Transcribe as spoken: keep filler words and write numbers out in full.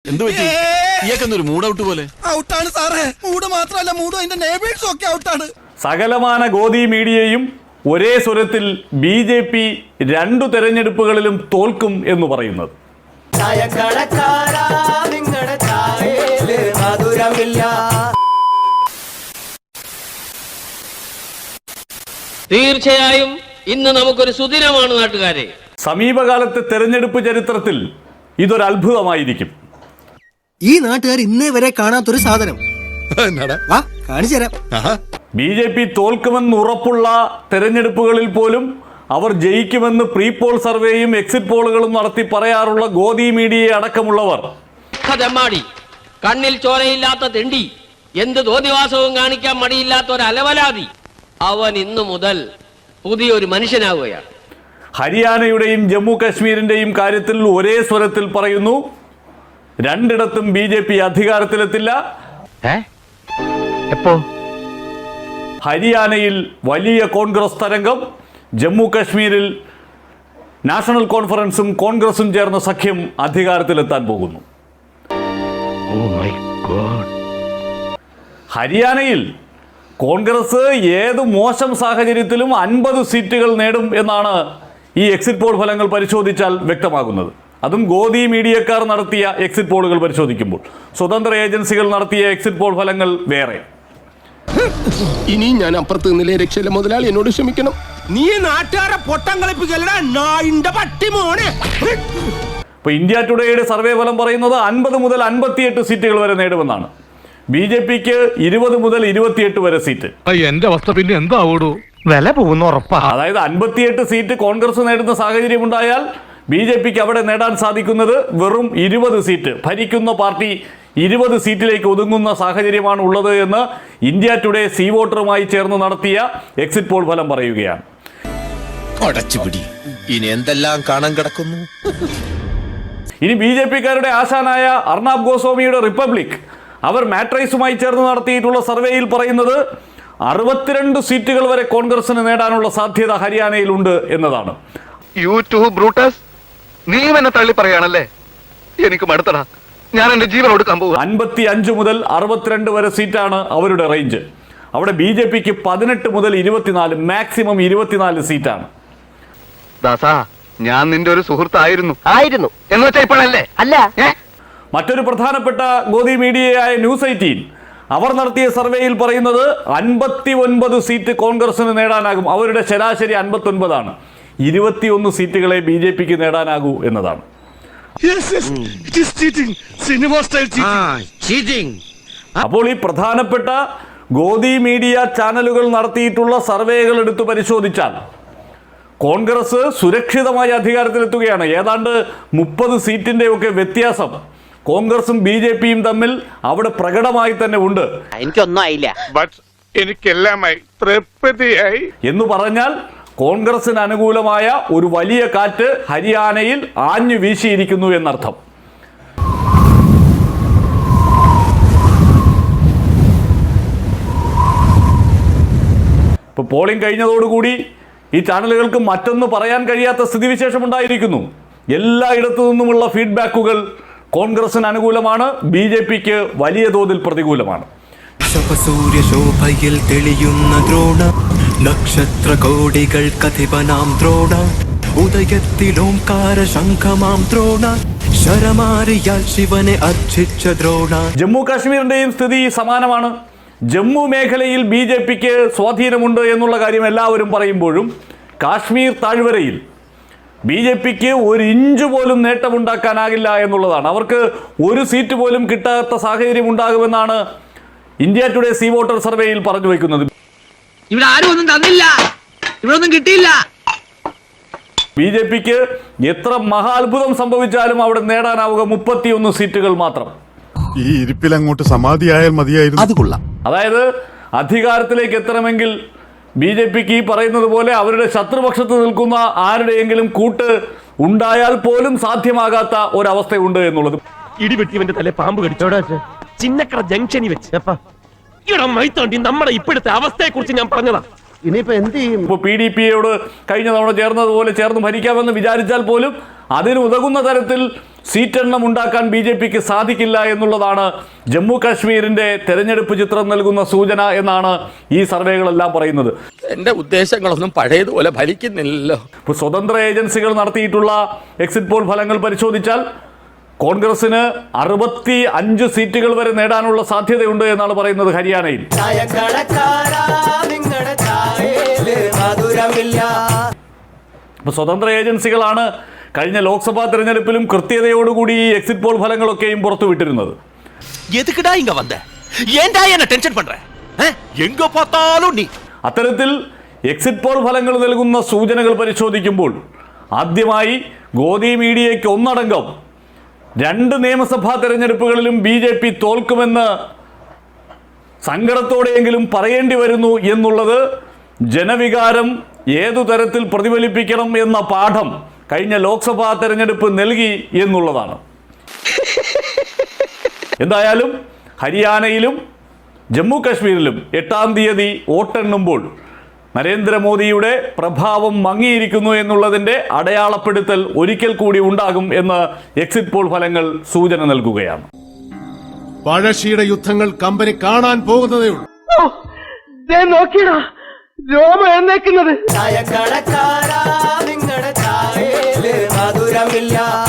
എന്ത് പറ്റി? ഇയാൾക്കെന്തൊരു mood out പോലെ? ഔട്ടാണ് സാറേ. മൂഡ് മാത്രമല്ല, മൂഡും അതിന്റെ നെയ്ബേഴ്സും ഒക്കെ ഔട്ടാണ്. സകലമാന ഗോദി മീഡിയയും ഒരേ സ്വരത്തിൽ ബി ജെ പി രണ്ടു തെരഞ്ഞെടുപ്പുകളിലും തോൽക്കും എന്ന് പറയുന്നത്. തീർച്ചയായും ഇന്ന് നമുക്കൊരു സുദിനമാണ് നാട്ടുകാരെ. സമീപകാലത്തെ തെരഞ്ഞെടുപ്പ് ചരിത്രത്തിൽ ഇതൊരു അത്ഭുതമായിരിക്കും. ഈ നാട്ടുകാർ ഇന്നേ വരെ കാണാത്തൊരു സാധനം കാണിച്ചു തരാം. ബി ജെ പി തോൽക്കുമെന്ന് ഉറപ്പുള്ള തെരഞ്ഞെടുപ്പുകളിൽ പോലും അവർ ജയിക്കുമെന്ന് പ്രീ പോൾ സർവേയും എക്സിറ്റ് പോളുകളും നടത്തി പറയാറുള്ള ഗോദി മീഡിയയെ അടക്കമുള്ളവർ തെമ്മാടി, കണ്ണിൽ ചോരയില്ലാത്ത തെണ്ടി, എന്ത് തോന്നിവാസവും കാണിക്കാൻ മടിയില്ലാത്ത ഒരു അലവലാതി, അവൻ ഇന്നു മുതൽ പുതിയൊരു മനുഷ്യനാവുകയാണ്. ഹരിയാനയുടെയും ജമ്മു കാശ്മീരിന്റെയും കാര്യത്തിൽ ഒരേ സ്വരത്തിൽ പറയുന്നു, രണ്ടിടത്തും ബി ജെ പി അധികാരത്തിലെത്തില്ല. എപ്പോ? ഹരിയാനയിൽ വലിയ കോൺഗ്രസ് തരംഗം, ജമ്മു കാശ്മീരിൽ നാഷണൽ കോൺഫറൻസും കോൺഗ്രസും ചേർന്ന സഖ്യം അധികാരത്തിലെത്താൻ പോകുന്നു. ഹരിയാനയിൽ കോൺഗ്രസ് ഏത് മോശം സാഹചര്യത്തിലും അൻപത് സീറ്റുകൾ നേടും എന്നാണ് ഈ എക്സിറ്റ് പോൾ ഫലങ്ങൾ പരിശോധിച്ചാൽ വ്യക്തമാകുന്നത്. അതും ഗോദി മീഡിയക്കാർ നടത്തിയ എക്സിറ്റ് പോളുകൾ പരിശോധിക്കുമ്പോൾ. സ്വതന്ത്ര ഏജൻസികൾ നടത്തിയ എക്സിറ്റ് പോൾ ഫലങ്ങൾ വേറെ. ഇനി ഞാൻ അപ്പുറത്ത് നിന്നില്ലേ രക്ഷയില്ല മുതലാളി, എന്നോട് ക്ഷമിക്കണം. നീ നാട്ടുകാരെ പൊട്ടം കളിപ്പിക്കലടാ പട്ടി മോനെ. ഇപ്പൊ ഇന്ത്യ ടുഡേയുടെ സർവേ ഫലം പറയുന്നത് അൻപത് മുതൽ അൻപത്തിയെട്ട് സീറ്റുകൾ വരെ നേടുമെന്നാണ്. ബി ജെ പിക്ക് ഇരുപത് മുതൽ ഇരുപത്തിയെട്ട് വരെ സീറ്റ്. എന്റെ അവസ്ഥ പിന്നെ എന്താവൂടൂ? വില പോകുന്ന ഉറപ്പാ. അതായത് അൻപത്തിയെട്ട് സീറ്റ് കോൺഗ്രസ് നേടുന്ന സാഹചര്യം ഉണ്ടായാൽ ബി ജെ പിക്ക് അവിടെ നേടാൻ സാധിക്കുന്നത് വെറും ഇരുപത് സീറ്റ്. ഭരിക്കുന്ന പാർട്ടി ഇരുപത് സീറ്റിലേക്ക് ഒതുങ്ങുന്ന സാഹചര്യമാണ് ഉള്ളത് എന്ന് ഇന്ത്യ ടുഡേ സീ വോട്ടറുമായി ചേർന്ന് നടത്തിയ എക്സിറ്റ് പോൾ ഫലം പറയുകയാണ്. ഇനി എന്തെല്ലാം കാണാൻ കിടക്കുന്നു. ഇനി ബി ജെ പിക്കാരുടെ ആശാനായ അർണാബ് ഗോസ്വാമിയുടെ റിപ്പബ്ലിക് അവർ മാട്രൈസുമായി ചേർന്ന് നടത്തിയിട്ടുള്ള സർവേയിൽ പറയുന്നത് അറുപത്തിരണ്ട് സീറ്റുകൾ വരെ കോൺഗ്രസിന് നേടാനുള്ള സാധ്യത ഹരിയാനയിലുണ്ട് എന്നതാണ്. യൂട്യൂബ് ബ്രൂട്ടസ്, നീ എന്നെ തള്ളി പറയാണല്ലേ? എനിക്ക് മടുത്തടാ, ഞാൻ എന്റെ ജീവൻ കൊടുക്കാൻ പോകും. അൻപത്തി അഞ്ച് മുതൽ അറുപത്തിരണ്ട് വരെ സീറ്റാണ് അവരുടെ റേഞ്ച്. അവിടെ ബി ജെ പിക്ക് പതിനെട്ട് മുതൽ ഇരുപത്തിനാല്, മാക്സിമം ഇരുപത്തിനാല് സീറ്റാണ്. ദാസാ, ഞാൻ നിന്റെ ഒരു സുഹൃത്തായിരുന്നു ആയിരുന്നു എന്ന് വെച്ചാൽ ഇപ്പോഴല്ലേ? അല്ല. മറ്റൊരു പ്രധാനപ്പെട്ട ഗോദി മീഡിയയായ ന്യൂസ് എയ്റ്റീൻ അവർ നടത്തിയ സർവേയിൽ പറയുന്നത് അൻപത്തി ഒൻപത് സീറ്റ് കോൺഗ്രസിന് നേടാനാകും. അവരുടെ ശരാശരി അൻപത്തി ഒൻപതാണ്. ഇരുപത്തിയൊന്ന് സീറ്റുകളെ ബി ജെ പിക്ക് നേടാനാകൂ എന്നതാണ്. അപ്പോൾ ഈ പ്രധാനപ്പെട്ട ഗോദി മീഡിയ ചാനലുകൾ നടത്തിയിട്ടുള്ള സർവേകൾ എടുത്തു പരിശോധിച്ചാൽ കോൺഗ്രസ് സുരക്ഷിതമായി അധികാരത്തിലെത്തുകയാണ്. ഏതാണ്ട് മുപ്പത് സീറ്റിന്റെ ഒക്കെ വ്യത്യാസം കോൺഗ്രസും ബി ജെ പിയും തമ്മിൽ അവിടെ പ്രകടമായി തന്നെ ഉണ്ട്. എനിക്കൊന്നും ആയില്ല, എനിക്കെല്ലാമായി തൃപ്തിയായി എന്ന് പറഞ്ഞാൽ കോൺഗ്രസിന് അനുകൂലമായ ഒരു വലിയ കാറ്റ് ഹരിയാനയിൽ ആഞ്ഞു വീശിയിരിക്കുന്നു എന്നർത്ഥം. ഇപ്പൊ പോളിംഗ് കഴിഞ്ഞതോടുകൂടി ഈ ചാനലുകൾക്ക് മറ്റൊന്ന് പറയാൻ കഴിയാത്ത സ്ഥിതിവിശേഷം ഉണ്ടായിരിക്കുന്നു. എല്ലായിടത്തു നിന്നുമുള്ള ഫീഡ്ബാക്കുകൾ കോൺഗ്രസിന് അനുകൂലമാണ്, ബി ജെ പിക്ക് വലിയ തോതിൽ പ്രതികൂലമാണ്. സൂര്യശോഭയിൽ തെളിയുന്ന ദ്രോണ നക്ഷത്ര കോടികൾ കഥിപനാം ദ്രോണ ഉദയത്തിലോംകാര ശംഖമാം ദ്രോണ ശരമാരിയാൽ ശിവനെ അർച്ചിച്ച ദ്രോണ. ജമ്മു കാശ്മീരിന്റെയും സ്ഥിതി സമാനമാണ്. ജമ്മു മേഖലയിൽ ബി ജെ പിക്ക് സ്വാധീനമുണ്ട് എന്നുള്ള കാര്യം എല്ലാവരും പറയുമ്പോഴും കാശ്മീർ താഴ്വരയിൽ ബി ജെ പിക്ക് ഒരു ഇഞ്ച് പോലും നേട്ടമുണ്ടാക്കാനാകില്ല എന്നുള്ളതാണ്. അവർക്ക് ഒരു സീറ്റ് പോലും കിട്ടാത്ത സാഹചര്യം ഉണ്ടാകുമെന്നാണ് ഇന്ത്യ ടുഡേ സീ വോട്ടർ സർവേയിൽ പറഞ്ഞു വയ്ക്കുന്നത്. ഇവിടെ ആരും ഒന്നും തന്നില്ല, ഇവിടെ ഒന്നും കിട്ടിയില്ല. ബി ജെ പിക്ക് എത്ര മഹാത്ഭുതം സംഭവിച്ചാലും അവിടെ നേടാനാവുക മുപ്പത്തിയൊന്ന് സീറ്റുകൾ മാത്രം. ഈ ഇരിപ്പിൽ അങ്ങോട്ട് സമാധിയായാൽ മതിയായിരുന്നു. അത് കൊള്ളാം. അതായത് അധികാരത്തിലേക്ക് എത്തണമെങ്കിൽ ബി ജെ പിക്ക് ഈ പറയുന്നത് പോലെ അവരുടെ ശത്രുപക്ഷത്ത് നിൽക്കുന്ന ആരുടെയെങ്കിലും കൂട്ട് ഉണ്ടായാൽ പോലും സാധ്യമാകാത്ത ഒരവസ്ഥയുണ്ട് എന്നുള്ളത്. ഇടിവെട്ടിവന്റെ തലേ പാമ്പ് കടിച്ചോടാ ചിന്നക്കട ജംഗ്ഷനിൽ വെച്ച് ഇവിടെ മൈത്തോണ്ടി നമ്മുടെ ഇപ്പോഴത്തെ അവസ്ഥയെ കുറിച്ച് ഞാൻ പറഞ്ഞതാ. ഇനിയിപ്പോ എന്ത് ചെയ്യും? ഇപ്പോൾ പി ഡി പിയോട് കഴിഞ്ഞ തവണ ചേർന്നതുപോലെ ചേർന്ന് ഭരിക്കാമെന്ന് വിചാരിച്ചാൽ പോലും അതിന് ഉതകുന്ന തരത്തിൽ സീറ്റെണ്ണം ഉണ്ടാക്കാൻ ബി ജെ പിക്ക് സാധിക്കില്ല എന്നുള്ളതാണ് ജമ്മു കാശ്മീരിൻ്റെ തെരഞ്ഞെടുപ്പ് ചിത്രം നൽകുന്ന സൂചന എന്നാണ് ഈ സർവേകളെല്ലാം പറയുന്നത്. എന്റെ ഉദ്ദേശങ്ങളൊന്നും പഴയതുപോലെ ഫലിക്കുന്നില്ലല്ലോ. ഇപ്പോൾ സ്വതന്ത്ര ഏജൻസികൾ നടത്തിയിട്ടുള്ള എക്സിറ്റ് പോൾ ഫലങ്ങൾ പരിശോധിച്ചാൽ കോൺഗ്രസിന് അറുപത്തി അഞ്ച് സീറ്റുകൾ വരെ നേടാനുള്ള സാധ്യതയുണ്ട് എന്നാണ് പറയുന്നത് ഹരിയാനയിൽ. ഇപ്പോൾ സ്വതന്ത്ര ഏജൻസികളാണ് കഴിഞ്ഞ ലോക്സഭാ തെരഞ്ഞെടുപ്പിലും കൃത്യതയോടുകൂടി ഈ എക്സിറ്റ് പോൾ ഫലങ്ങളൊക്കെയും പുറത്തുവിട്ടിരുന്നത്. അത്തരത്തിൽ എക്സിറ്റ് പോൾ ഫലങ്ങൾ നൽകുന്ന സൂചനകൾ പരിശോധിക്കുമ്പോൾ ആദ്യമായി ഗോദി മീഡിയയ്ക്ക് ഒന്നടങ്കം രണ്ട് നിയമസഭാ തെരഞ്ഞെടുപ്പുകളിലും ബി ജെ പി തോൽക്കുമെന്ന് സങ്കടത്തോടെയെങ്കിലും പറയേണ്ടി വരുന്നു എന്നുള്ളത് ജനവികാരം ഏതു തരത്തിൽ പ്രതിഫലിപ്പിക്കണം എന്ന പാഠം കഴിഞ്ഞ ലോക്സഭാ തെരഞ്ഞെടുപ്പ് നൽകി എന്നുള്ളതാണ്. എന്തായാലും ഹരിയാനയിലും ജമ്മു കാശ്മീരിലും എട്ടാം തീയതി വോട്ടെണ്ണുമ്പോൾ നരേന്ദ്രമോദിയുടെ പ്രഭാവം മങ്ങിയിരിക്കുന്നു എന്നുള്ളതിൻ്റെ അടയാളപ്പെടുത്തൽ ഒരിക്കൽ കൂടി ഉണ്ടാകും എന്ന് എക്സിറ്റ് പോൾ ഫലങ്ങൾ സൂചന നൽകുകയാണ്. പഴശ്ശിയുടെ യുദ്ധങ്ങൾ കമ്പനി കാണാൻ പോകുന്നതേ ഉള്ളൂ. നോക്കിയടാ രോമ എന്നേക്കുന്നത് ചായക്കടക്കാരാ നിങ്ങളുടെ ചായയില് മധുരമില്ല.